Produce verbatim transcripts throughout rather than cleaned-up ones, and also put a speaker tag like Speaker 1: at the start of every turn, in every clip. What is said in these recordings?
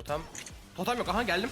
Speaker 1: Totem. Totem yok. Aha geldim.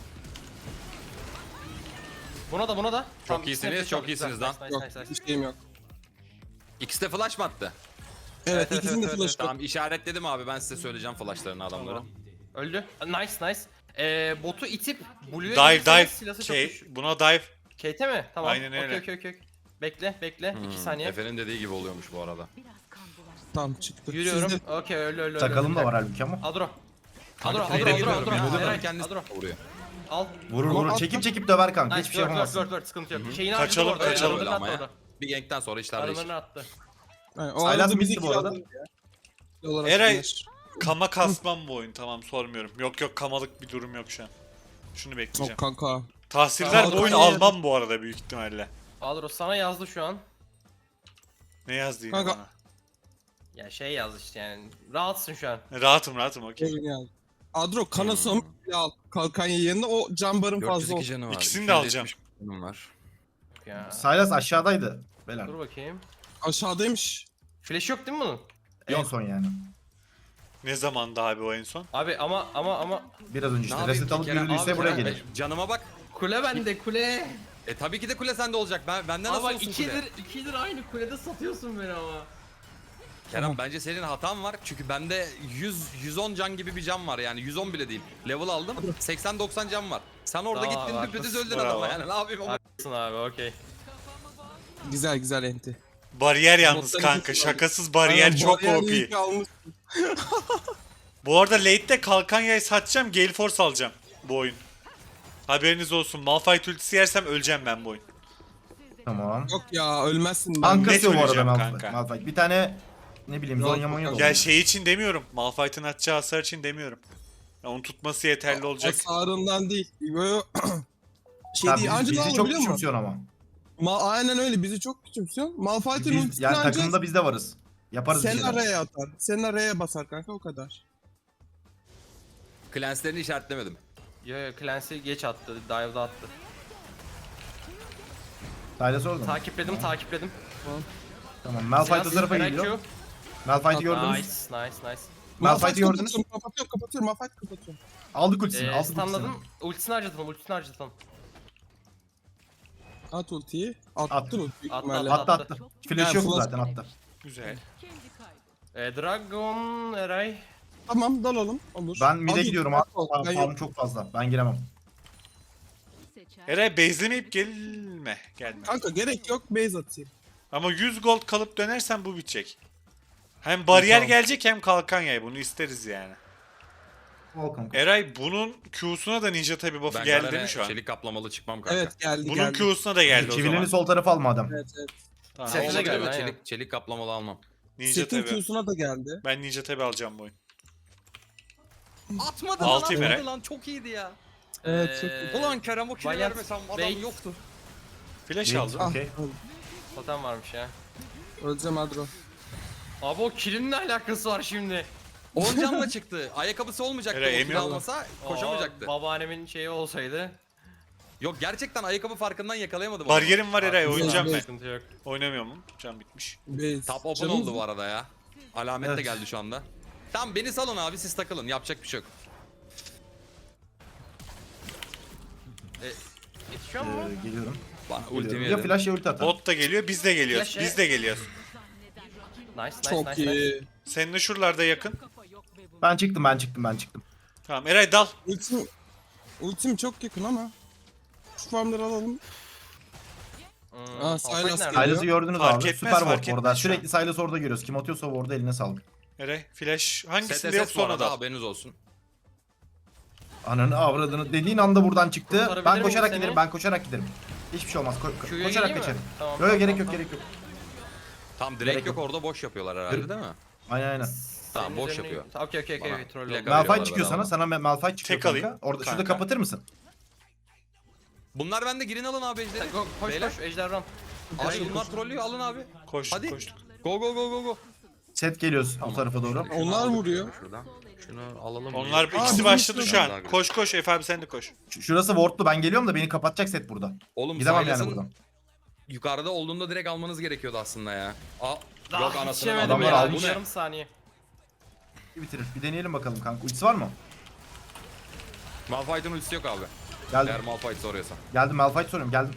Speaker 1: Buna da buna da.
Speaker 2: Çok
Speaker 1: Tamam,
Speaker 2: iyisiniz,
Speaker 1: ikisine
Speaker 2: çok
Speaker 1: de
Speaker 2: iyisiniz
Speaker 1: güzel.
Speaker 2: lan.
Speaker 1: Nice,
Speaker 3: Yok,
Speaker 1: nice, nice, nice.
Speaker 3: bir şeyim yok.
Speaker 2: İkisi de flash mı attı?
Speaker 3: Evet,
Speaker 1: evet,
Speaker 3: ikisinin de
Speaker 1: evet,
Speaker 3: flash
Speaker 1: evet.
Speaker 3: var.
Speaker 2: Tamam işaretledim abi, ben size söyleyeceğim flashlarını adamları.
Speaker 1: Tamam. Öldü. Nice nice. Ee, botu itip Blue'ya
Speaker 4: Dive
Speaker 1: gelirseniz
Speaker 4: dive.
Speaker 1: silahı çok
Speaker 4: Şey,
Speaker 1: güçlü.
Speaker 4: buna dive.
Speaker 1: Kate'e mi? Tamam.
Speaker 4: Aynen öyle.
Speaker 1: Okey okey okey. Bekle bekle. iki saniye.
Speaker 2: Efe'nin dediği gibi oluyormuş bu arada.
Speaker 3: Tamam çıktı.
Speaker 1: Yürüyorum.
Speaker 3: Sizde-
Speaker 1: Okey öyle öyle.
Speaker 5: Sakalım da var halbuki ama.
Speaker 1: Adro.
Speaker 2: Kanka
Speaker 1: Adro,
Speaker 2: trade'e
Speaker 1: Adro,
Speaker 2: giriyorum
Speaker 1: Adro,
Speaker 2: ya.
Speaker 1: Adro.
Speaker 2: Eren
Speaker 1: Eray,
Speaker 2: kendisi
Speaker 1: Adro.
Speaker 2: vuruyor.
Speaker 1: Al.
Speaker 5: Vurur
Speaker 3: Ama
Speaker 5: vurur.
Speaker 3: at-
Speaker 5: Çekip çekip döver kanka.
Speaker 1: Nice,
Speaker 5: Hiçbir şey
Speaker 1: word, word,
Speaker 5: yapamazsın.
Speaker 1: word, word, sıkıntı yok. Şeyini
Speaker 4: Kaçalım,
Speaker 1: harcadı bu arada,
Speaker 4: kaçalım.
Speaker 1: arılarını
Speaker 2: Ama
Speaker 1: attı
Speaker 2: ya.
Speaker 1: orada.
Speaker 2: Bir gankten sonra işler değişir.
Speaker 1: Arılarını attı.
Speaker 3: Yani, o
Speaker 5: Saylas
Speaker 3: arada
Speaker 5: bitti
Speaker 3: bizi
Speaker 5: bu arada.
Speaker 3: kiraladın ya. Olarak
Speaker 4: Eray
Speaker 3: bilir.
Speaker 4: kama kasmam bu oyun, tamam sormuyorum. Yok yok, kamalık bir durum yok şu an. Şunu bekleyeceğim.
Speaker 3: Yok kanka.
Speaker 4: Tahsiller bu
Speaker 3: Tamam,
Speaker 4: oyunu
Speaker 3: tamam.
Speaker 4: almam bu arada büyük ihtimalle.
Speaker 1: Adro sana yazdı şu an.
Speaker 4: Ne yazdı yine
Speaker 3: Kanka.
Speaker 4: bana?
Speaker 1: Ya şey yazdı işte yani. Rahatsın şu an.
Speaker 4: Rahatım rahatım okey.
Speaker 3: Oyun yani. Adro kanasam
Speaker 2: Hmm.
Speaker 3: al. Kalkan yanında o cambarın fazla
Speaker 2: dört yüz iki
Speaker 3: olsun.
Speaker 2: canı var.
Speaker 4: İkisini de alacağım.
Speaker 2: iki yüz yetmiş canım var.
Speaker 1: Ya.
Speaker 5: Saylas aşağıdaydı. Beyler.
Speaker 1: Dur bakayım.
Speaker 3: Aşağıdaymış.
Speaker 1: Flash yok değil mi bunun?
Speaker 5: En son yani.
Speaker 4: Ne zamandı abi o en son?
Speaker 1: Abi ama ama ama
Speaker 5: Biraz önce
Speaker 2: Ne
Speaker 5: işte
Speaker 2: yapayım
Speaker 5: reset
Speaker 2: ki
Speaker 5: alıp
Speaker 2: Kerem?
Speaker 5: yürüdüyse
Speaker 2: Abi
Speaker 5: buraya
Speaker 2: Kerem,
Speaker 5: gelir.
Speaker 2: Canıma bak.
Speaker 1: kule bende kule.
Speaker 2: E tabii ki de kule sende olacak. Ben benden
Speaker 1: Ama
Speaker 2: nasıl
Speaker 1: bak
Speaker 2: olsun
Speaker 1: ikidir
Speaker 2: kule?
Speaker 1: ikidir aynı kulede satıyorsun beni ama.
Speaker 2: Kerem
Speaker 3: Tamam.
Speaker 2: bence senin hatan var. Çünkü bende yüz yüz on can gibi bir can var yani. yüz on bile değil. Level aldım. seksen doksan can var. Sen orada
Speaker 1: Tamam,
Speaker 2: gittin
Speaker 1: haklısın.
Speaker 2: düpedüz öldün
Speaker 4: Bravo.
Speaker 2: adama yani. Ne yapayım ama.
Speaker 1: Haklısın abi okey.
Speaker 3: Güzel güzel enti.
Speaker 4: Bariyer yalnız
Speaker 3: Botları
Speaker 4: kanka,
Speaker 3: kesin
Speaker 4: şakasız bariyer
Speaker 3: Aynen,
Speaker 4: çok
Speaker 3: bariyer
Speaker 4: O
Speaker 3: iyi
Speaker 4: P.
Speaker 3: ki almış.
Speaker 4: Bu arada late'de kalkan yay satacağım, Gale Force alacağım bu oyun. Haberiniz olsun, Malphite ultisi yersem öleceğim ben bu oyun.
Speaker 5: Tamam.
Speaker 3: Yok ya ölmezsin. Ben.
Speaker 5: Kankası
Speaker 4: net
Speaker 5: yok bu arada
Speaker 4: öleceğim
Speaker 5: Malphite.
Speaker 4: kanka.
Speaker 5: Malphite. Bir tane ne bileyim
Speaker 3: Yok,
Speaker 5: Zonya Monya da
Speaker 3: yok.
Speaker 4: Ya
Speaker 5: olur.
Speaker 4: şey için demiyorum, Malphite'ın atacağı hasar için demiyorum. Ya onun tutması yeterli olacak.
Speaker 3: Hasarından değil. Böyle şey
Speaker 5: Ha,
Speaker 3: değil.
Speaker 5: biz-
Speaker 3: Anca ne
Speaker 5: bizi
Speaker 3: olur
Speaker 5: çok
Speaker 3: biliyor musun?
Speaker 5: küçümsüyorsun ama.
Speaker 3: Ma aynen öyle bizi çok küçümsüyorsun. Malphite'in
Speaker 5: Biz,
Speaker 3: ultisini
Speaker 5: yani
Speaker 3: anca
Speaker 5: takımda biz de varız. Yaparız bir
Speaker 3: sen
Speaker 5: şeyler.
Speaker 3: araya atar. Sen araya basar kanka o kadar.
Speaker 2: Clanslerini işaretlemedim.
Speaker 1: Yo yo Clancy geç attı. Dive'da attı.
Speaker 5: Saylas orada mı?
Speaker 1: Takipledim takipledim.
Speaker 5: Tamam. Malphite o
Speaker 1: Silah-
Speaker 5: tarafa
Speaker 1: Eray
Speaker 5: geliyor.
Speaker 1: Q.
Speaker 5: Malphite'i
Speaker 1: Nice
Speaker 5: gördünüz.
Speaker 1: nice nice.
Speaker 5: Malphite'i gördünüz.
Speaker 3: kapatıyorum, kapatıyorum, kapatıyorum. Malphite kapatıyorum.
Speaker 5: Aldık ultisini.
Speaker 1: Ee,
Speaker 5: aldık ultisini.
Speaker 1: stunladım. Ultisini harcatalım ultisini harcatalım.
Speaker 3: At ultiyi. Attın
Speaker 5: Attım.
Speaker 3: ultiyi büyük
Speaker 1: Attı,
Speaker 3: ihtimalle.
Speaker 5: Attı
Speaker 1: Attı.
Speaker 5: attı. Flash
Speaker 3: Yani
Speaker 5: yok
Speaker 3: flash-
Speaker 5: zaten attı.
Speaker 4: Güzel.
Speaker 1: Ee, Dragon Eray.
Speaker 3: Tamam dalalım. Olur.
Speaker 5: Ben mid'e
Speaker 3: Al,
Speaker 5: gidiyorum.
Speaker 3: al,
Speaker 5: Abi.
Speaker 3: al. Ben
Speaker 5: Farm
Speaker 3: yok.
Speaker 5: çok fazla. Ben giremem.
Speaker 4: Eray base'lemeyip gelme. Gelme.
Speaker 3: Kanka gerek yok base atayım.
Speaker 4: Ama yüz gold kalıp dönersen bu bitecek. Hem bariyer
Speaker 3: Tamam.
Speaker 4: gelecek hem kalkan yay, bunu isteriz yani.
Speaker 5: Al kanka.
Speaker 4: Eray bunun Q'suna da ninja tabi buff'ı
Speaker 2: Ben
Speaker 4: geldi
Speaker 2: Garen'e
Speaker 4: değil mi şu an?
Speaker 2: çelik kaplamalı çıkmam kanka.
Speaker 3: Evet geldi
Speaker 4: Bunun
Speaker 3: geldi.
Speaker 4: Q'suna da geldi o
Speaker 5: Çivilini
Speaker 4: zaman.
Speaker 5: sol tarafa al madem.
Speaker 3: Evet evet.
Speaker 4: Tamam,
Speaker 1: Setine
Speaker 2: Olmadı
Speaker 1: geldi,
Speaker 2: değil mi?
Speaker 1: aynen.
Speaker 2: Çelik, çelik kaplamalı almam.
Speaker 4: Ninja
Speaker 3: Setin
Speaker 4: tabi.
Speaker 3: Q'suna da geldi.
Speaker 4: Ben ninja tabi alacağım bu oyun.
Speaker 2: Atmadı
Speaker 4: Altı
Speaker 2: lan,
Speaker 4: Eray.
Speaker 2: atmadı lan, çok iyiydi ya.
Speaker 3: Evet çok
Speaker 1: Ee,
Speaker 3: iyi.
Speaker 2: Ulan Kerem o kili
Speaker 1: Valiant
Speaker 2: vermesem adam
Speaker 1: Bait.
Speaker 2: yoktu.
Speaker 4: Flash
Speaker 5: Ninja.
Speaker 4: aldım.
Speaker 3: Ah,
Speaker 5: Okey.
Speaker 1: Totem varmış ya.
Speaker 3: öleceğim Adro.
Speaker 1: Abi o killin ne alakası var şimdi?
Speaker 2: on canla çıktı. Ayakkabısı olmayacaktı
Speaker 4: Eray,
Speaker 2: o
Speaker 4: emin
Speaker 2: kili
Speaker 4: ol.
Speaker 2: almasa koşamayacaktı.
Speaker 1: Aa, babaannemin şeyi olsaydı.
Speaker 2: Yok gerçekten ayakkabı farkından yakalayamadım.
Speaker 4: Bariyerim var Eray,
Speaker 1: Abi,
Speaker 4: oynayacağım ben.
Speaker 1: Sıkıntı yok.
Speaker 4: Oynamıyor mu? Can bitmiş.
Speaker 3: Base.
Speaker 2: Top open
Speaker 3: Canımız
Speaker 2: oldu
Speaker 3: mı?
Speaker 2: bu arada ya. Alamet de
Speaker 5: Evet.
Speaker 2: geldi şu anda. Tamam beni salın abi, siz takılın, yapacak bir şey yok.
Speaker 1: Yetişiyor mu?
Speaker 5: Ee, geliyorum.
Speaker 2: Bana
Speaker 5: Geliyorum.
Speaker 2: ultimi
Speaker 5: Ya
Speaker 2: yedim.
Speaker 5: flash ya ulti atar.
Speaker 4: Bot da geliyor, biz de geliyoruz.
Speaker 1: Flash,
Speaker 4: Biz de geliyoruz.
Speaker 1: Nice nice
Speaker 3: Çok
Speaker 1: nice. nice.
Speaker 3: iyi.
Speaker 4: Seninle şuralarda yakın.
Speaker 5: Ben çıktım ben çıktım ben çıktım.
Speaker 4: Tamam Eray dal.
Speaker 3: Ultim, ultim çok yakın ama. Şu farmları alalım.
Speaker 1: Hmm,
Speaker 3: Aa,
Speaker 1: Malphite
Speaker 3: Sylas
Speaker 1: nerede?
Speaker 3: geliyor.
Speaker 5: Silas'ı gördünüz
Speaker 4: Fark
Speaker 5: abi.
Speaker 4: etmez,
Speaker 5: Süper
Speaker 4: fark
Speaker 5: ward orada.
Speaker 4: etmez şu an.
Speaker 5: Sürekli Silas'ı orada görüyoruz. Kim atıyorsa orada eline sağlık.
Speaker 4: Eray flash hangisinde
Speaker 2: S
Speaker 4: yok
Speaker 2: S S bu
Speaker 4: sonra
Speaker 2: arada,
Speaker 4: dal.
Speaker 2: haberiniz olsun.
Speaker 5: Ananı avradını dediğin anda buradan çıktı.
Speaker 1: Kurtarabilir
Speaker 5: Ben
Speaker 1: miyim
Speaker 5: koşarak
Speaker 1: seni?
Speaker 5: giderim. Ben koşarak giderim. Hiçbir şey olmaz. Ko ko-
Speaker 1: Q'ya
Speaker 5: koşarak
Speaker 1: geleyim mi?
Speaker 5: geçerim.
Speaker 1: Tamam,
Speaker 5: Yok
Speaker 1: tamam,
Speaker 5: yok gerek yok
Speaker 1: tamam.
Speaker 5: gerek yok.
Speaker 2: Tam direkt
Speaker 5: Gerek
Speaker 2: yok,
Speaker 5: yok.
Speaker 2: orada boş yapıyorlar herhalde değil mi?
Speaker 5: Aynen aynen.
Speaker 2: Tamam
Speaker 1: Senin
Speaker 2: boş
Speaker 1: üzerine-
Speaker 2: yapıyor.
Speaker 1: Okey okey okey.
Speaker 2: Bana
Speaker 1: okey, troll
Speaker 2: plaka
Speaker 1: oldu.
Speaker 2: veriyorlar
Speaker 5: Malphite çıkıyor
Speaker 2: bedava.
Speaker 5: sana. Sana Malphite çıkıyor
Speaker 4: Tek alayım.
Speaker 5: kanka. Orada şurada
Speaker 4: Kanka.
Speaker 5: kapatır mısın?
Speaker 2: Bunlar bende, girin alın abi ejderi.
Speaker 1: Go, koş
Speaker 2: Beyler.
Speaker 1: koş ejder run.
Speaker 2: Abi bunlar trollüyor, alın abi.
Speaker 4: Koştuk
Speaker 2: Hadi.
Speaker 4: koştuk.
Speaker 2: Go go go go go.
Speaker 5: Set geliyoruz bu tarafa doğru.
Speaker 3: Onlar vuruyor.
Speaker 2: Şuradan. Şunu alalım.
Speaker 4: Onlar
Speaker 2: bir.
Speaker 4: ikisi
Speaker 3: Aa,
Speaker 4: başladı
Speaker 3: bizim
Speaker 4: şu an.
Speaker 2: daha güzel.
Speaker 4: Koş koş Efe abi sen de koş.
Speaker 5: Ş- Şurası wardlu. Ben geliyorum da beni kapatacak set burada.
Speaker 2: Oğlum
Speaker 5: Gidemem yani
Speaker 2: Silas'ın
Speaker 5: buradan.
Speaker 2: yukarıda olduğunda direkt almanız gerekiyordu aslında ya. Aa, yok
Speaker 1: Ah,
Speaker 2: anasını
Speaker 1: yetişemedim
Speaker 5: adamlar
Speaker 1: ya.
Speaker 5: almış.
Speaker 1: Bir yarım saniye.
Speaker 5: Bir bitirir. Bir deneyelim bakalım kanka. Ultisi var mı?
Speaker 2: Malphite'ın ultisi yok abi.
Speaker 5: Geldim.
Speaker 2: Eğer Malphite soruyorsan.
Speaker 5: Geldim Malphite soruyorum geldim.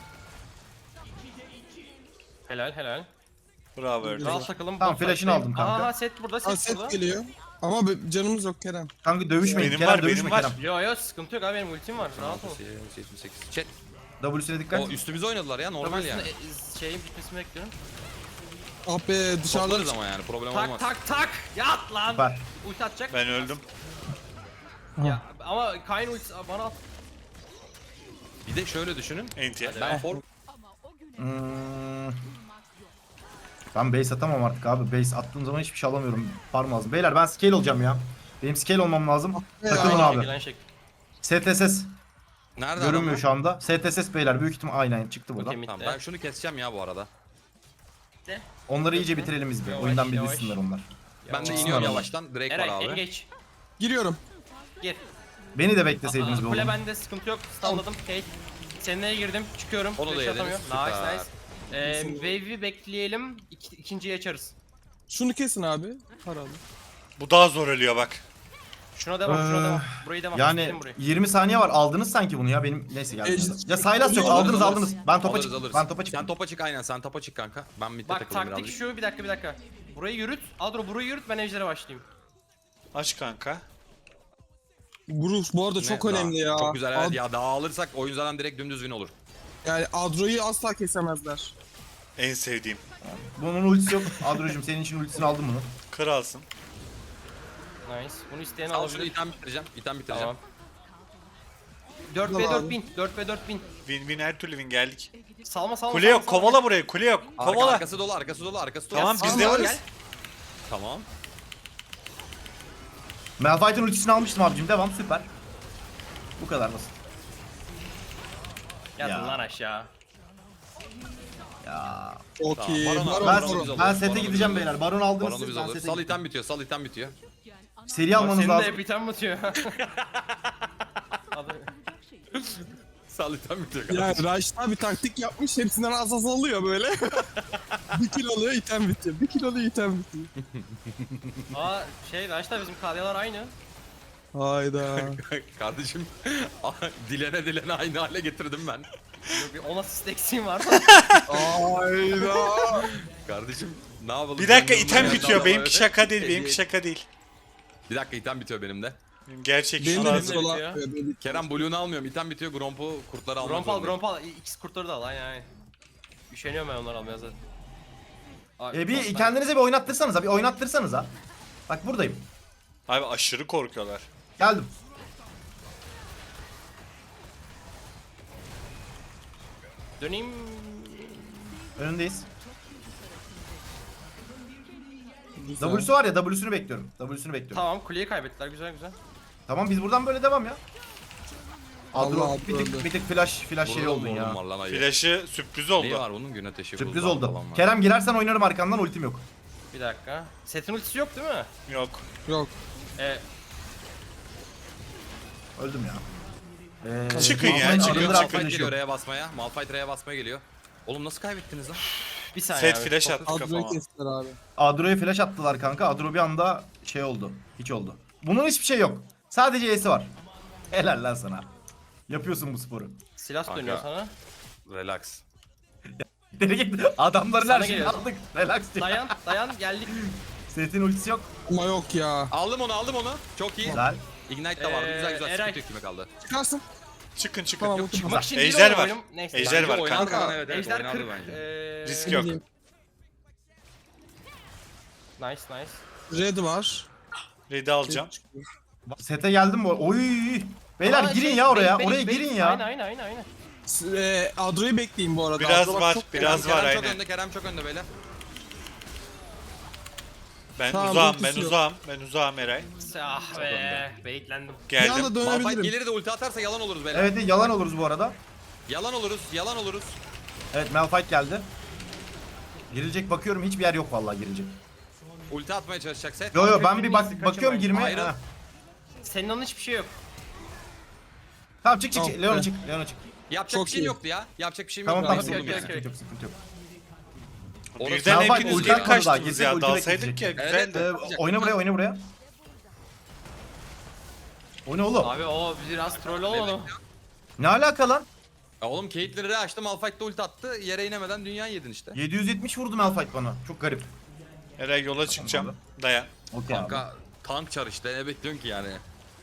Speaker 1: Helal helal.
Speaker 4: Bravo Erdoğan.
Speaker 1: Rahat takalım.
Speaker 5: Tamam,
Speaker 1: bot
Speaker 5: flash'ını
Speaker 1: fight'tayım.
Speaker 5: aldım kanka.
Speaker 1: Aha set burada,
Speaker 3: Ha,
Speaker 1: set burada.
Speaker 3: set geliyor. Ama be- canımız yok Kerem.
Speaker 5: Kanka dövüşmeyin.
Speaker 4: Benim
Speaker 5: Kerem
Speaker 4: var,
Speaker 5: dövüşme
Speaker 4: benim var.
Speaker 5: Kerem.
Speaker 1: Yo yo sıkıntı yok abi, benim ultim var. Rahat ol.
Speaker 2: yetmiş sekiz. Chat.
Speaker 5: W'sine dikkat.
Speaker 2: O üstümüze oynadılar ya normal yani.
Speaker 1: W'sinin, e, Şeyin bitmesini bekliyorum.
Speaker 3: Ah be dışarıda.
Speaker 2: Toplarız ama yani problem
Speaker 1: Tak
Speaker 2: olmaz.
Speaker 1: tak tak. Yat lan.
Speaker 5: Süper.
Speaker 1: Ulti atacak.
Speaker 4: Ben öldüm.
Speaker 1: Ya, ama Kayn ultisi bana at.
Speaker 2: Bir de şöyle düşünün.
Speaker 4: Enti.
Speaker 2: Ben for
Speaker 5: Hmm. Ben base atamam artık abi. Base attığım zaman hiçbir şey alamıyorum. Farm lazım. Beyler ben scale olacağım ya. Benim scale olmam lazım. Takılın
Speaker 1: Aynı
Speaker 5: abi.
Speaker 1: gelen şekil.
Speaker 5: S T S S
Speaker 2: nerede
Speaker 5: görünmüyor
Speaker 2: adamlar?
Speaker 5: şu anda. S T S S beyler büyük ihtimal aynen çıktı buradan.
Speaker 1: Okey, mid
Speaker 2: Tamam
Speaker 1: de.
Speaker 2: ben şunu keseceğim ya bu arada.
Speaker 5: Onları iyice bitirelim biz bir.
Speaker 1: Yavaş,
Speaker 5: Oyundan bir
Speaker 1: yavaş.
Speaker 5: düşsünler onlar.
Speaker 2: Ben de
Speaker 1: Yavaş.
Speaker 2: iniyorum
Speaker 5: Yavaş.
Speaker 2: yavaştan. Drake var
Speaker 1: Eray en
Speaker 2: abi.
Speaker 1: geç.
Speaker 3: Giriyorum.
Speaker 1: Gir.
Speaker 5: Beni de bekleseydiniz be
Speaker 1: Aa, Kule
Speaker 5: oğlum.
Speaker 1: bende, sıkıntı yok. Stunladım. Hey. Seninle girdim. Çıkıyorum.
Speaker 2: Onu da
Speaker 1: Flash
Speaker 2: yediniz,
Speaker 1: atamıyor.
Speaker 2: süper.
Speaker 1: Nice nice. Ee, wave'i bekleyelim. İki, ikinciyi açarız.
Speaker 3: Şunu kesin abi. Paralı.
Speaker 4: Bu daha zor ölüyor bak.
Speaker 1: Şuna devam, şuna
Speaker 5: Ee,
Speaker 1: devam. Burayı devam.
Speaker 5: Yani
Speaker 1: Bitirdim burayı.
Speaker 5: yirmi saniye var. Aldınız sanki bunu ya. Benim neyse geldi.
Speaker 3: Ejder-
Speaker 5: Ya Sylas yok.
Speaker 3: Alırız,
Speaker 5: Aldınız
Speaker 2: alırız.
Speaker 5: aldınız. Ben topa
Speaker 2: Alırız,
Speaker 5: çıktım.
Speaker 2: alırız.
Speaker 5: Ben topa
Speaker 2: Sen
Speaker 5: çıktım.
Speaker 2: topa çık aynen sen topa çık kanka. Ben midde
Speaker 1: Bak
Speaker 2: takılayım
Speaker 1: taktik
Speaker 2: birazcık.
Speaker 1: şu, bir dakika bir dakika. Burayı yürüt. Adro burayı yürüt, ben ejdere başlayayım.
Speaker 4: Aç kanka.
Speaker 3: Bruce bu arada çok
Speaker 2: Ne?
Speaker 3: önemli
Speaker 2: Daha-
Speaker 3: ya.
Speaker 2: Çok güzel evet
Speaker 3: Ad-
Speaker 2: ya daha alırsak oyun zaten direkt dümdüz win olur.
Speaker 3: Yani Adro'yu asla kesemezler.
Speaker 4: En sevdiğim.
Speaker 5: Bunun ultisi yok. Adro'cum senin için ultisini aldım bunu.
Speaker 4: Kralsın.
Speaker 1: Nice. Bunu isteyen
Speaker 2: Al şunu
Speaker 1: alabilir.
Speaker 2: item bitireceğim. İtem bitireceğim.
Speaker 1: Tamam. dört ve
Speaker 3: Tamam
Speaker 1: dört
Speaker 3: abi.
Speaker 1: bin. dört ve dört bin.
Speaker 4: Win win her türlü win geldik.
Speaker 1: Salma salma.
Speaker 4: Kule
Speaker 1: salma,
Speaker 4: yok,
Speaker 1: salma.
Speaker 4: kovala burayı, kule yok.
Speaker 2: Arka,
Speaker 4: Kovala.
Speaker 2: arkası dolu arkası dolu arkası dolu.
Speaker 4: Tamam,
Speaker 2: Ya,
Speaker 4: biz
Speaker 1: Salma,
Speaker 4: de
Speaker 1: gel.
Speaker 4: varız.
Speaker 2: Tamam.
Speaker 5: Malphite'ın ultisini almıştım abicim. Devam süper. Bu kadar basit.
Speaker 1: Yatın
Speaker 5: Ya.
Speaker 1: lan aşağı.
Speaker 5: Ya.
Speaker 3: Okey.
Speaker 2: Baron-
Speaker 3: Baron,
Speaker 5: Ben,
Speaker 2: Baron'u biz alırız,
Speaker 5: ben sete
Speaker 2: Baron'u biz
Speaker 5: gideceğim
Speaker 2: alırız.
Speaker 5: beyler. Baron aldınız
Speaker 2: Baron'u
Speaker 5: siz.
Speaker 2: biz
Speaker 5: Ben
Speaker 2: alırız.
Speaker 5: sete
Speaker 2: Sal
Speaker 5: gideceğim.
Speaker 2: item bitiyor. Sal item bitiyor.
Speaker 5: Seri
Speaker 1: Bak
Speaker 5: almanız
Speaker 1: senin de
Speaker 5: lazım.
Speaker 1: hep item batıyor. Hadi.
Speaker 2: Sal item bitiyor.
Speaker 3: Yani Raşit bir taktik yapmış. Hepsinden az az alıyor böyle. Bir kill alıyor item bitiyor. Bir kill alıyor item bitiyor.
Speaker 1: Aa şey Raşta bizim kalyalar aynı.
Speaker 3: Hayda.
Speaker 2: Kardeşim dilene dilene aynı hale getirdim ben.
Speaker 1: Bir on asist eksiğim var.
Speaker 3: Hayda.
Speaker 2: Kardeşim ne yapalım?
Speaker 4: Bir dakika
Speaker 2: Kendimden
Speaker 4: item
Speaker 2: geldi
Speaker 4: bitiyor.
Speaker 2: ama
Speaker 4: Benimki
Speaker 2: öyle.
Speaker 4: şaka değil, benimki
Speaker 2: Hediye-
Speaker 4: şaka değil.
Speaker 2: Bir dakika item bitiyor benim de.
Speaker 4: Benim gerçek
Speaker 3: Benim
Speaker 4: şu
Speaker 3: de
Speaker 4: lazım.
Speaker 3: bitiyor
Speaker 1: bitiyor.
Speaker 3: lan. Benim-
Speaker 2: Kerem Blue'nu almıyorum. İtem bitiyor. Gromp'u kurtları almak
Speaker 1: Grompal
Speaker 2: zorundayım.
Speaker 1: Grompal. İkisi kurtları da al aynen aynen. Üşeniyorum ben onları almaya zaten. Abi,
Speaker 5: E bir
Speaker 1: ben-
Speaker 5: kendinize bir oynattırsanız ha. Bir oynattırsanız ha. Bak buradayım.
Speaker 4: Abi aşırı korkuyorlar.
Speaker 5: Geldim.
Speaker 1: Döneyim.
Speaker 5: Önündeyiz.
Speaker 3: Güzel.
Speaker 5: W'su var ya W'sunu bekliyorum. W'sunu bekliyorum. Tamam.
Speaker 1: Tamam kuleyi kaybettiler, güzel güzel.
Speaker 5: biz buradan böyle devam ya. Adro
Speaker 3: Allah
Speaker 5: bir tık,
Speaker 3: öldü.
Speaker 5: bir tık flash flash şey
Speaker 2: Burada
Speaker 5: oldun
Speaker 2: da
Speaker 5: ya.
Speaker 2: oğlum var lan ayı.
Speaker 4: Flash'ı sürpriz
Speaker 2: Neyi
Speaker 4: oldu.
Speaker 2: var bunun? Gün ateşi.
Speaker 5: Sürpriz
Speaker 2: buzdağı
Speaker 5: oldu.
Speaker 2: falan var.
Speaker 5: Kerem girersen oynarım arkandan ultim yok.
Speaker 1: Bir dakika. Setin ultisi yok değil mi?
Speaker 4: Yok.
Speaker 3: Yok.
Speaker 1: Ee,
Speaker 5: Öldüm ya. Ee,
Speaker 4: Çıkın ya,
Speaker 5: Malphite
Speaker 4: çıkın,
Speaker 5: arındır
Speaker 4: çıkın.
Speaker 2: Malphite
Speaker 5: arkadaşı
Speaker 2: geliyor
Speaker 5: yok.
Speaker 2: R'ye basmaya. Malphite R'ye basmaya geliyor. Oğlum nasıl kaybettiniz lan?
Speaker 1: bir saniye
Speaker 4: Set
Speaker 1: abi.
Speaker 4: flash
Speaker 1: Fokus.
Speaker 4: attı
Speaker 3: Adro'yu
Speaker 4: kafama.
Speaker 3: kestiler abi.
Speaker 5: Adro'ya flash attılar kanka. Adro bir anda şey oldu. Hiç oldu. Bunun hiçbir şey yok. Sadece E'si var. Helal lan sana. Yapıyorsun bu sporu.
Speaker 1: Silas
Speaker 2: Kanka.
Speaker 1: dönüyor sana.
Speaker 2: Relax.
Speaker 5: Deli gitti. Adamların
Speaker 1: Sana
Speaker 5: her şeyini
Speaker 1: geliyor.
Speaker 5: aldık. Relax diye.
Speaker 1: Dayan dayan geldik.
Speaker 5: Setin ultisi yok.
Speaker 3: Ama yok ya.
Speaker 2: Aldım onu aldım onu. Çok iyi.
Speaker 5: Güzel.
Speaker 2: Ignite de vardı.
Speaker 1: Ee,
Speaker 2: Güzel güzel.
Speaker 1: Eray.
Speaker 2: Sıkıntı yok kime kaldı.
Speaker 3: Çıkarsın.
Speaker 4: Çıkın çıkın.
Speaker 3: Tamam,
Speaker 4: Yok,
Speaker 3: okey.
Speaker 1: Çıkmak için değil
Speaker 4: Ejder
Speaker 1: oğlum
Speaker 4: var.
Speaker 1: oyunum. Neyse.
Speaker 4: Ejder
Speaker 2: Bence
Speaker 4: var
Speaker 2: oynadı
Speaker 4: kanka.
Speaker 2: lan, evet, evet,
Speaker 1: Ejder
Speaker 2: oynadı
Speaker 1: kırk.
Speaker 2: bence.
Speaker 1: Ee,
Speaker 4: Risk
Speaker 3: Ne
Speaker 4: yok.
Speaker 3: bileyim.
Speaker 1: Nice nice.
Speaker 3: Red var.
Speaker 4: Red'i alacağım.
Speaker 5: Sete geldim mi? Oy. Beyler
Speaker 1: Aa,
Speaker 5: girin
Speaker 1: şey,
Speaker 5: ya oraya.
Speaker 1: bait,
Speaker 5: Oraya
Speaker 1: bait,
Speaker 5: girin
Speaker 1: bait.
Speaker 5: ya.
Speaker 1: Aynen aynen aynen aynen.
Speaker 3: S- e, Adro'yu bekleyin bu arada.
Speaker 4: Biraz
Speaker 3: Adro bak
Speaker 4: var,
Speaker 3: çok
Speaker 4: biraz
Speaker 2: Kerem
Speaker 4: var
Speaker 2: çok
Speaker 4: aynen.
Speaker 2: önde. Kerem çok önde beyler.
Speaker 4: Ben
Speaker 3: Tamam,
Speaker 4: uzağım, ben
Speaker 3: ultisi yok.
Speaker 4: uzağım. Ben uzağım Eray.
Speaker 1: Ah be. Baitlendim.
Speaker 3: Bir anda
Speaker 4: Geldim.
Speaker 2: Malphite
Speaker 3: dönebilirim.
Speaker 2: gelir de ulti atarsa yalan oluruz beyler.
Speaker 5: Evet yalan oluruz bu arada.
Speaker 2: Yalan oluruz. Yalan oluruz.
Speaker 5: Evet Malphite geldi. Girilecek bakıyorum hiçbir yer yok vallahi girilecek.
Speaker 2: Ulti atmaya çalışacak set.
Speaker 5: Yo yo ben
Speaker 1: Kaçın,
Speaker 5: bir bak
Speaker 1: kaçın
Speaker 5: bakıyorum
Speaker 1: ben.
Speaker 5: girmeye.
Speaker 2: Ayrıl.
Speaker 5: Ha.
Speaker 1: Senin onun hiçbir şey yok.
Speaker 5: Tamam çık çık çık.
Speaker 3: Tamam,
Speaker 5: Leona
Speaker 3: evet.
Speaker 5: çık. Leona çık.
Speaker 2: Yapacak
Speaker 3: Çok
Speaker 2: bir şeyim
Speaker 3: iyi.
Speaker 2: yoktu ya. Yapacak bir şeyim
Speaker 5: Tamam
Speaker 2: yok.
Speaker 5: tamam
Speaker 1: Okey,
Speaker 5: sıkıntı yok
Speaker 1: okey,
Speaker 5: sıkıntı
Speaker 1: okey.
Speaker 5: yok sıkıntı yok.
Speaker 2: Orası-
Speaker 4: Birden
Speaker 5: Malphite
Speaker 4: hepiniz
Speaker 5: ulti
Speaker 4: geri
Speaker 5: atmadı daha,
Speaker 4: kaçtınız
Speaker 5: kesin
Speaker 4: ya.
Speaker 5: ulti
Speaker 4: Dalsaydık
Speaker 5: bekleyecek.
Speaker 4: ya
Speaker 2: Evet,
Speaker 4: güzeldi.
Speaker 5: Ee, oyna buraya oyna buraya. O ne oğlum?
Speaker 1: Abi o biraz troll oldu.
Speaker 5: Ne alaka lan?
Speaker 2: Ya oğlum Caitlyn'i açtı, Malphite'de ulti attı. Yere inemeden dünya yedin işte.
Speaker 5: yedi yüz yetmiş vurdu Malphite bana. Çok garip.
Speaker 4: Eray yola çıkacağım. Dayan.
Speaker 5: Okey abi.
Speaker 2: Kanka tank çar işte, ne bekliyorsun ki yani?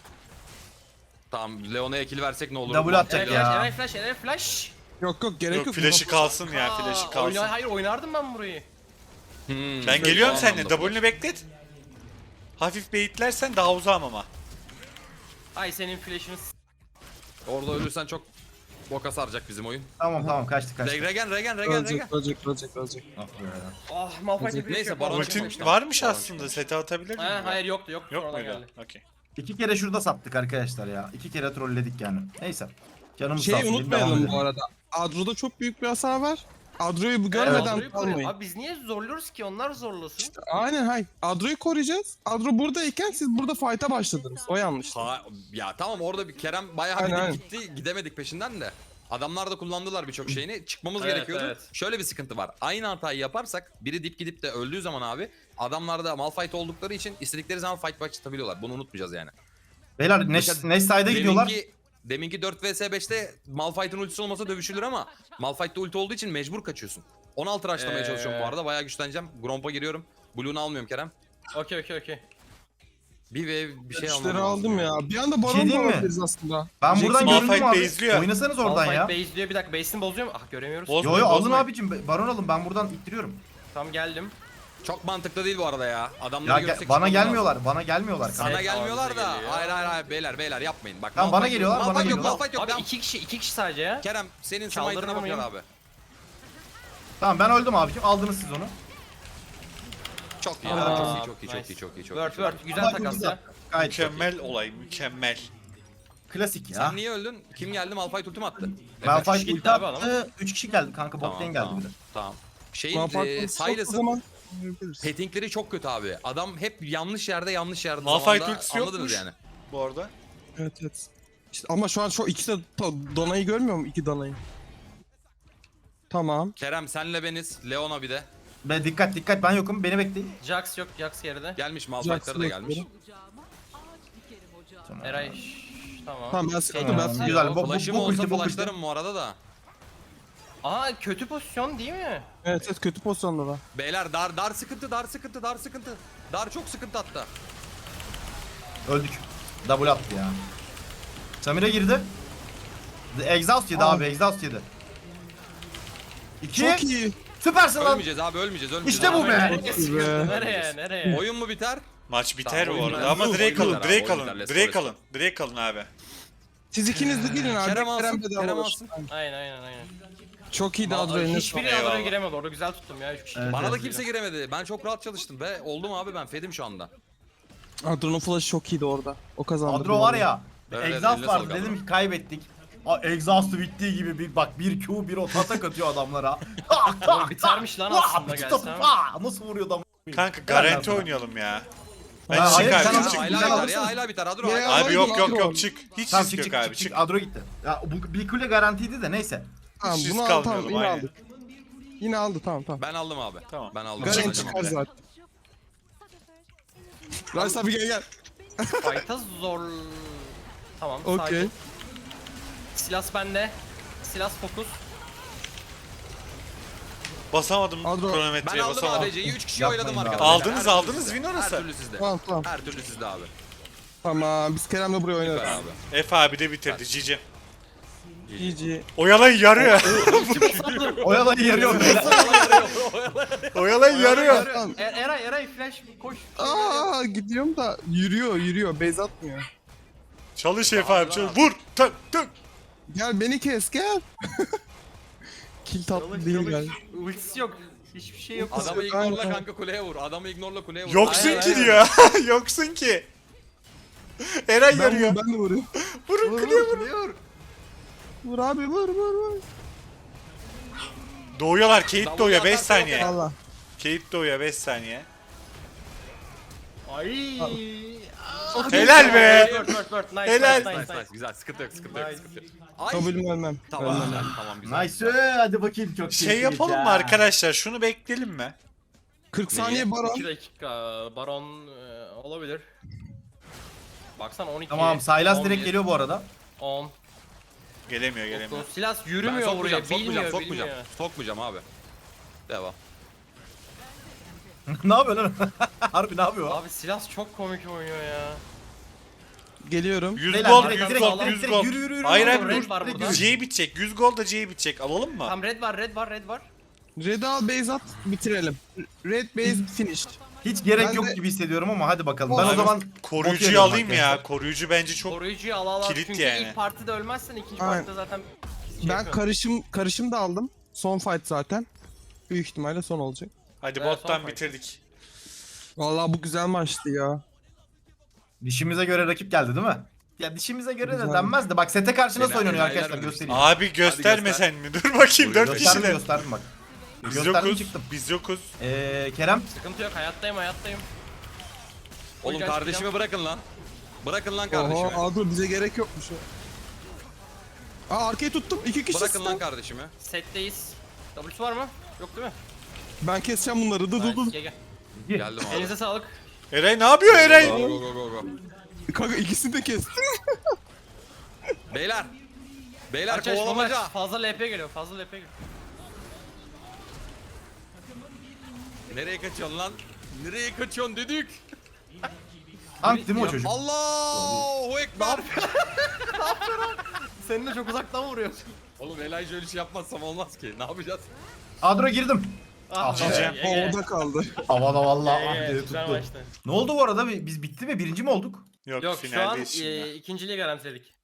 Speaker 2: Tamam, Leona'ya kill versek ne olur?
Speaker 5: Double atacak
Speaker 1: Eray
Speaker 5: ya.
Speaker 1: flash, Eray flash, Eray flash.
Speaker 3: Yok yok gerek yok.
Speaker 4: Yok flash'ı kalsın ya flash'ı
Speaker 1: Aa,
Speaker 4: kalsın.
Speaker 1: oyna- hayır oynardım ben burayı.
Speaker 2: Hmm,
Speaker 4: Ben geliyorum
Speaker 2: o
Speaker 4: seninle.
Speaker 2: anlamda.
Speaker 4: W'nu beklet. Hafif beyitlersen daha uzağım ama.
Speaker 1: Ay senin flash'ını s-
Speaker 2: Orada ölürsen çok boka saracak bizim oyun.
Speaker 5: Tamam tamam kaçtık kaçtık.
Speaker 2: Regen, regen, regen, regen.
Speaker 3: Ölecek ölecek ölecek ölecek.
Speaker 5: Ah be.
Speaker 1: Ah Malphite'e flash
Speaker 2: Neyse,
Speaker 1: yok.
Speaker 2: Baron
Speaker 1: Malphite-
Speaker 2: çıkmış.
Speaker 4: Ultin
Speaker 2: tamam.
Speaker 4: varmış
Speaker 2: Tamam.
Speaker 4: aslında. Sete atabilir miyim?
Speaker 1: Ha, hayır yoktu yoktu.
Speaker 4: Yok
Speaker 1: sonradan
Speaker 4: muydu?
Speaker 1: geldi.
Speaker 4: Okey.
Speaker 5: İki kere şurada sattık arkadaşlar ya. İki kere trolledik yani. Neyse. Canımız sağ
Speaker 3: Şeyi
Speaker 5: olsun. devam
Speaker 3: unutmayalım
Speaker 5: edelim.
Speaker 3: bu arada. Adro'da çok büyük bir hasar var. Adro'yu bu görmeden
Speaker 1: Adro'yu koruyor.
Speaker 3: kalmayın.
Speaker 1: Abi biz niye zorluyoruz ki onlar zorlasın?
Speaker 3: Aynen hay. Adro'yu koruyacağız. Adro buradayken siz burada fight'a başladınız. O yanlış.
Speaker 2: Ha, ya tamam, orada bir Kerem bayağı
Speaker 3: Aynen,
Speaker 2: bir
Speaker 3: aynen.
Speaker 2: gitti, gidemedik peşinden de. Adamlar da kullandılar birçok şeyini. Çıkmamız
Speaker 1: Evet,
Speaker 2: gerekiyordu.
Speaker 1: evet.
Speaker 2: Şöyle bir sıkıntı var. Aynı hatayı yaparsak biri dip gidip de öldüğü zaman abi, adamlar da Malphite oldukları için istedikleri zaman fight başlatabiliyorlar. Bunu unutmayacağız yani.
Speaker 5: Beyler Neş,
Speaker 2: Mesela
Speaker 5: Neş side'e gidiyorlar.
Speaker 2: Deminki, deminki dört vs beşte Malphite'ın ultisi olmasa dövüşülür ama Malphite'de ulti olduğu için mecbur kaçıyorsun. on altı rushlamaya
Speaker 1: Ee.
Speaker 2: çalışıyorum bu arada. Bayağı güçleneceğim. Gromp'a giriyorum. Blue'unu almıyorum Kerem.
Speaker 1: Okey okey okey.
Speaker 2: Bir ve bir şey almam
Speaker 3: İşleri
Speaker 2: lazım
Speaker 3: aldım ya. Bir anda
Speaker 5: şey
Speaker 3: baron da
Speaker 5: diyeyim mi?
Speaker 3: alabiliriz aslında.
Speaker 5: Ben buradan
Speaker 4: Malphite
Speaker 5: göründüm abi.
Speaker 4: base'liyor.
Speaker 5: Oynasanız oradan ya.
Speaker 1: Malphite base diyor, bir dakika base'ini bozuyor mu? Ah göremiyoruz.
Speaker 4: Boz-
Speaker 5: Yo yo alın
Speaker 4: Bozmayın.
Speaker 5: abicim. Baron alın. Ben buradan ittiriyorum.
Speaker 1: Tam geldim.
Speaker 2: Çok mantıklı değil bu arada ya. Adamları
Speaker 5: Ya
Speaker 2: görsek
Speaker 5: ge- bana
Speaker 2: çıkmamız lazım.
Speaker 5: gelmiyorlar. Bana gelmiyorlar.
Speaker 2: Sana
Speaker 1: Evet,
Speaker 2: gelmiyorlar
Speaker 1: bize
Speaker 2: da.
Speaker 1: geliyor.
Speaker 2: Hayır hayır hayır beyler beyler yapmayın. Bak.
Speaker 5: Tamam, bana
Speaker 2: Malphite-
Speaker 5: geliyorlar, bana
Speaker 2: Malphite yok,
Speaker 5: geliyorlar.
Speaker 2: Malphite yok.
Speaker 1: Abi
Speaker 2: Devam.
Speaker 1: iki kişi iki kişi sadece ya.
Speaker 2: Kerem senin
Speaker 1: Çaldırır
Speaker 2: smite'ına bakıyor
Speaker 1: mıyım?
Speaker 2: abi.
Speaker 5: Tamam ben öldüm abicim. Aldınız siz onu.
Speaker 2: Çok iyi.
Speaker 1: Aa,
Speaker 2: Çok iyi, çok iyi, çok
Speaker 1: nice.
Speaker 2: iyi, çok iyi, çok iyi.
Speaker 1: Word
Speaker 2: çok iyi.
Speaker 1: word güzel
Speaker 5: Ama
Speaker 1: takas
Speaker 5: güzel.
Speaker 1: ya.
Speaker 5: Gayet çok iyi.
Speaker 4: Mükemmel olay mükemmel.
Speaker 5: Klasik ya.
Speaker 2: Sen niye öldün? Kim geldi? Malphite ulti mi attı?
Speaker 5: Malphite
Speaker 1: gitti
Speaker 5: ulti
Speaker 1: abi
Speaker 5: attı. üç kişi geldi kanka. Bot'tan geldi
Speaker 2: tamam,
Speaker 5: bir de.
Speaker 2: tamam. Şeyin
Speaker 3: Malphite
Speaker 2: e,
Speaker 3: çok o
Speaker 2: Silas'ın
Speaker 3: zaman yapabiliriz.
Speaker 2: pettingleri çok kötü abi. Adam hep yanlış yerde yanlış yerde
Speaker 4: Malphite
Speaker 2: zamanda,
Speaker 4: ultisi
Speaker 2: anladınız
Speaker 4: yokmuş.
Speaker 2: yani.
Speaker 4: Bu arada.
Speaker 3: Evet evet. İşte ama şu an şu ikisi de to- Dona'yı görmüyor mu? İki Dona'yı. Tamam.
Speaker 2: Kerem senle beniz. Leona bir de.
Speaker 5: Be dikkat dikkat ben yokum. Beni bekleyin.
Speaker 1: Jax yok, Jax geride.
Speaker 2: Gelmiş Malphite'ları da
Speaker 3: Jackson
Speaker 2: gelmiş.
Speaker 5: Tamam.
Speaker 1: Eray şş, tamam.
Speaker 3: Tamam, ben sıkıldım,
Speaker 1: Tamam,
Speaker 3: ben sıkıldım.
Speaker 5: Güzel. Bu, bu,
Speaker 2: Flash'ım
Speaker 5: bu
Speaker 2: olsa
Speaker 5: ulti, bu ulti.
Speaker 2: flashlarım bu arada da.
Speaker 1: Aa kötü pozisyon değil mi?
Speaker 3: Evet evet kötü pozisyonda da.
Speaker 2: Beyler dar dar sıkıntı dar sıkıntı dar sıkıntı. Dar çok sıkıntı hatta.
Speaker 5: Öldük. Double attı ya. Samira girdi. The Exhaust yedi
Speaker 3: Aa.
Speaker 5: abi. Exhaust yedi. İki.
Speaker 3: Çok iyi.
Speaker 5: Süpersin lan.
Speaker 2: Ölmeyeceğiz abi ölmeyeceğiz ölmeyeceğiz.
Speaker 5: İşte bu be.
Speaker 1: Nereye sıkıldı? Nereye? Nereye?
Speaker 2: Oyun mu biter?
Speaker 4: Maç biter
Speaker 2: Tamam,
Speaker 4: bu
Speaker 2: oyun
Speaker 4: arada
Speaker 2: biter.
Speaker 4: ama
Speaker 2: Oyun
Speaker 4: Drake alın,
Speaker 2: biter abi,
Speaker 4: Drake
Speaker 2: oyun
Speaker 4: alın,
Speaker 2: biter. Let's
Speaker 4: Drake
Speaker 2: go,
Speaker 4: alın, Drake alın abi.
Speaker 3: Siz ikiniz de girin abi.
Speaker 2: Kerem alsın,
Speaker 3: de
Speaker 2: Kerem
Speaker 3: alır.
Speaker 2: alsın.
Speaker 1: Aynen aynen aynen.
Speaker 3: Çok iyi de Adro eline
Speaker 1: Hiçbiri
Speaker 4: Eyvallah.
Speaker 1: adaya giremedi orada, güzel tuttum ya üç kişi.
Speaker 5: Evet,
Speaker 2: Bana da
Speaker 5: evet.
Speaker 2: kimse giremedi. Ben çok rahat çalıştım be. Oldum abi ben fedim şu anda.
Speaker 3: Adro'nun flash'ı çok iyiydi orada. O kazandı.
Speaker 5: Adro var ya.
Speaker 2: Evet, evet,
Speaker 5: Exhaust
Speaker 2: eline
Speaker 5: vardı.
Speaker 2: sağlık
Speaker 5: Dedim
Speaker 2: Adro.
Speaker 5: ki kaybettik. Aa, Exhaust'u bittiği gibi bir bak bir Q bir o atak atıyor adamlara. Tak tak
Speaker 1: bitermiş lan
Speaker 5: tak.
Speaker 1: aslında
Speaker 5: Vah, bir
Speaker 1: gelsem.
Speaker 5: top, vah, nasıl vuruyor adam?
Speaker 4: Kanka garanti oynayalım ya. Ben
Speaker 5: Ha,
Speaker 4: çık
Speaker 5: hayır,
Speaker 4: abi,
Speaker 5: sen
Speaker 2: Ya,
Speaker 5: al-
Speaker 4: çık.
Speaker 5: sen
Speaker 2: hala biter
Speaker 5: alırsın.
Speaker 2: ya hala biter. Adro
Speaker 3: Ya,
Speaker 2: hala-
Speaker 3: ya.
Speaker 4: Abi yok yok
Speaker 3: Adro.
Speaker 4: yok çık. Hiç
Speaker 5: Tamam
Speaker 4: risk
Speaker 5: çık
Speaker 4: yok
Speaker 5: çık
Speaker 4: abi
Speaker 5: çık,
Speaker 4: çık.
Speaker 5: çık. Adro gitti. Ya bu bir kule garantiydi de neyse.
Speaker 3: Tamam
Speaker 4: Hiç
Speaker 3: bunu
Speaker 4: risk
Speaker 3: aldı tamam
Speaker 4: almayalım,
Speaker 3: yine
Speaker 4: aynen.
Speaker 3: aldık. Yine aldı tamam tamam.
Speaker 2: Ben aldım abi.
Speaker 4: Tamam.
Speaker 2: Ben aldım.
Speaker 3: Garen
Speaker 2: Ben
Speaker 3: çıkar
Speaker 2: aldım.
Speaker 3: zaten. Rice abi gel gel.
Speaker 1: Fight'a zor... Tamam
Speaker 3: Okey.
Speaker 1: sakin. Silas bende. Silas fokus.
Speaker 4: Basamadım
Speaker 3: Adro-
Speaker 2: Ben
Speaker 4: kronometreye
Speaker 2: aldım
Speaker 4: basamadım.
Speaker 2: A D C'yi üç kişi
Speaker 5: Yapmayın
Speaker 2: oyladım
Speaker 5: be
Speaker 2: arkadaşlar.
Speaker 5: abi.
Speaker 4: Aldınız,
Speaker 2: Her türlü
Speaker 4: aldınız,
Speaker 2: sizde.
Speaker 4: win orası.
Speaker 2: Her türlü sizde.
Speaker 3: Tamam tamam.
Speaker 2: Her türlü sizde abi.
Speaker 3: Tamam biz Kerem'le buraya
Speaker 2: Süper
Speaker 3: oynarız.
Speaker 2: abi.
Speaker 4: F abi de bitirdi Cici.
Speaker 3: G G.
Speaker 4: Oyalayın yarıyor.
Speaker 5: Oyalayı yarıyor böyle.
Speaker 4: Oyalayın yarıyor.
Speaker 3: Tamam.
Speaker 1: E Eray Eray flash koş.
Speaker 3: Aa gidiyorum da yürüyor yürüyor base atmıyor.
Speaker 4: Çalış F abi çalış. Vur. Tık tık.
Speaker 3: Gel beni kes gel. Kill tatlı değil gel.
Speaker 1: Ultisi yok. Hiçbir şey yok.
Speaker 2: Adamı
Speaker 3: Aynen.
Speaker 2: ignorla kanka kuleye vur. Adamı ignorla kuleye vur.
Speaker 4: Yoksun
Speaker 1: Aynen,
Speaker 4: ki
Speaker 1: aynen.
Speaker 4: diyor. Yoksun ki. Eray
Speaker 3: Ben,
Speaker 4: yarıyor.
Speaker 3: ben de vuruyorum.
Speaker 4: Vurun
Speaker 3: Vur,
Speaker 4: kuleye
Speaker 3: vur,
Speaker 4: vurun.
Speaker 3: Vur abi vur vur vur.
Speaker 4: Doğuyorlar. Kate
Speaker 2: Davul
Speaker 4: doğuyor beş
Speaker 2: atarsa
Speaker 4: saniye.
Speaker 3: Allah.
Speaker 4: Kate doğuyor beş saniye.
Speaker 1: Ay.
Speaker 4: Helal be.
Speaker 1: Word, word, word. Nice,
Speaker 4: Helal.
Speaker 1: nice, nice,
Speaker 2: Nice
Speaker 1: nice.
Speaker 2: nice güzel sıkıntı yok sıkıntı yok
Speaker 1: Nice.
Speaker 2: sıkıntı yok. Ay.
Speaker 3: Kabulüm ölmem.
Speaker 2: Tamam
Speaker 3: Ölmem.
Speaker 2: güzel tamam güzel.
Speaker 5: Nice hadi bakayım çok
Speaker 4: Şey
Speaker 5: keyifli
Speaker 4: yapalım
Speaker 5: ya.
Speaker 4: mı arkadaşlar? Şunu bekleyelim mi?
Speaker 3: kırk saniye baron.
Speaker 1: iki dakika baron e, olabilir. Baksana on iki.
Speaker 5: Tamam Sylas
Speaker 1: on
Speaker 5: direkt
Speaker 1: bir,
Speaker 5: geliyor bu arada.
Speaker 1: on.
Speaker 4: Gelemiyor gelemiyor.
Speaker 1: dokuz. Silas
Speaker 2: Ben
Speaker 1: yürümüyor
Speaker 2: sokmayacağım,
Speaker 1: buraya.
Speaker 2: sokmayacağım,
Speaker 1: Bilmiyor,
Speaker 2: sokmayacağım.
Speaker 1: bilmiyor.
Speaker 2: Sokmayacağım abi. Devam.
Speaker 5: Ne yapıyor lan? Harbi ne yapıyor?
Speaker 1: Abi Silas çok komik oynuyor ya.
Speaker 3: Geliyorum.
Speaker 4: yüz
Speaker 5: Beyler,
Speaker 4: gold,
Speaker 5: direkt,
Speaker 4: yüz
Speaker 5: direkt,
Speaker 4: gold,
Speaker 5: direkt,
Speaker 4: yüz
Speaker 5: direkt,
Speaker 4: gold.
Speaker 5: yürü, yürü, yürü.
Speaker 4: Hayır
Speaker 1: Red
Speaker 4: hayır dur.
Speaker 1: var burada.
Speaker 4: C'ye bitecek. yüz gold da C'ye bitecek. Alalım mı?
Speaker 1: Tam red var, red var, red var.
Speaker 3: Red al base at bitirelim. Red base finish.
Speaker 5: Hiç gerek
Speaker 3: Ben
Speaker 5: yok
Speaker 3: de-
Speaker 5: gibi hissediyorum ama hadi bakalım. Ben
Speaker 3: Abi,
Speaker 5: o zaman
Speaker 4: Koruyucuyu
Speaker 5: bakıyorum
Speaker 4: alayım
Speaker 5: arkadaşlar.
Speaker 4: ya. Koruyucu bence çok...
Speaker 1: Koruyucuyu al al al.
Speaker 4: Kilit
Speaker 1: Çünkü
Speaker 4: yani.
Speaker 1: ilk partide ölmezsen ikinci
Speaker 3: Aynen.
Speaker 1: partide zaten şey
Speaker 3: Ben
Speaker 1: yapıyorsun.
Speaker 3: karışım karışım da aldım. Son fight zaten. Büyük ihtimalle son olacak.
Speaker 4: Hadi
Speaker 1: Evet,
Speaker 4: bottan
Speaker 1: son
Speaker 4: bitirdik.
Speaker 3: Vallahi bu güzel maçtı ya.
Speaker 5: dişimize göre rakip geldi değil mi? Ya dişimize göre de
Speaker 3: Güzel.
Speaker 5: denmez de bak sete karşı nasıl
Speaker 2: Beyler,
Speaker 5: oynanıyor
Speaker 2: beyler
Speaker 5: arkadaşlar
Speaker 2: mi?
Speaker 5: göstereyim.
Speaker 4: Abi göstermesen mi? Dur bakayım dört
Speaker 5: Gösterdim
Speaker 4: kişiler.
Speaker 5: gösterdim bak.
Speaker 4: Biz
Speaker 5: Gösterdim
Speaker 4: yokuz.
Speaker 5: çıktım.
Speaker 4: Biz yokuz.
Speaker 5: Ee, Kerem
Speaker 1: Sıkıntı yok, hayattayım, hayattayım.
Speaker 2: Oğlum
Speaker 1: Hocam,
Speaker 2: kardeşimi bırakın lan. Bırakın lan kardeşimi.
Speaker 3: Oha, aa dur bize gerek yokmuş o. Aa arkayı tuttum. İki kişi
Speaker 2: Bırakın lan
Speaker 3: stun.
Speaker 2: kardeşimi.
Speaker 1: Setteyiz. W'su var mı? Yok değil mi?
Speaker 3: Ben keseceğim bunları. Dur dur dur.
Speaker 1: Nice, gel gel.
Speaker 2: Geldim abi.
Speaker 1: Elinize sağlık.
Speaker 4: Eray ne yapıyor Eray?
Speaker 2: Go go go go go.
Speaker 3: Kanka ikisini de kestim.
Speaker 2: Beyler. Beyler
Speaker 1: Aç aç bomba aç.
Speaker 2: kovalamaca.
Speaker 1: Fazla L P geliyor, fazla L P geliyor.
Speaker 2: Nereye kaçıyorsun lan? Nereye kaçıyorsun dedik?
Speaker 5: Tank değil mi o çocuk?
Speaker 2: Allahu ekber.
Speaker 1: Senin de çok uzaktan vuruyorsun.
Speaker 2: Oğlum Elijah öyle şey yapmazsam olmaz ki. Ne yapacağız?
Speaker 5: Adro girdim.
Speaker 1: Ah,
Speaker 4: Cicem.
Speaker 1: ye, ye.
Speaker 3: Havada kaldı.
Speaker 5: Havada vallahi
Speaker 1: Ye,
Speaker 5: ah
Speaker 1: ye,
Speaker 5: diye
Speaker 1: güzel
Speaker 5: tuttu.
Speaker 1: maçtı.
Speaker 5: Ne oldu bu arada? Biz bitti mi? Birinci mi olduk?
Speaker 4: Yok,
Speaker 1: Yok şu an
Speaker 4: finaldeyiz şimdi.
Speaker 1: e, ikinciliği garantiledik.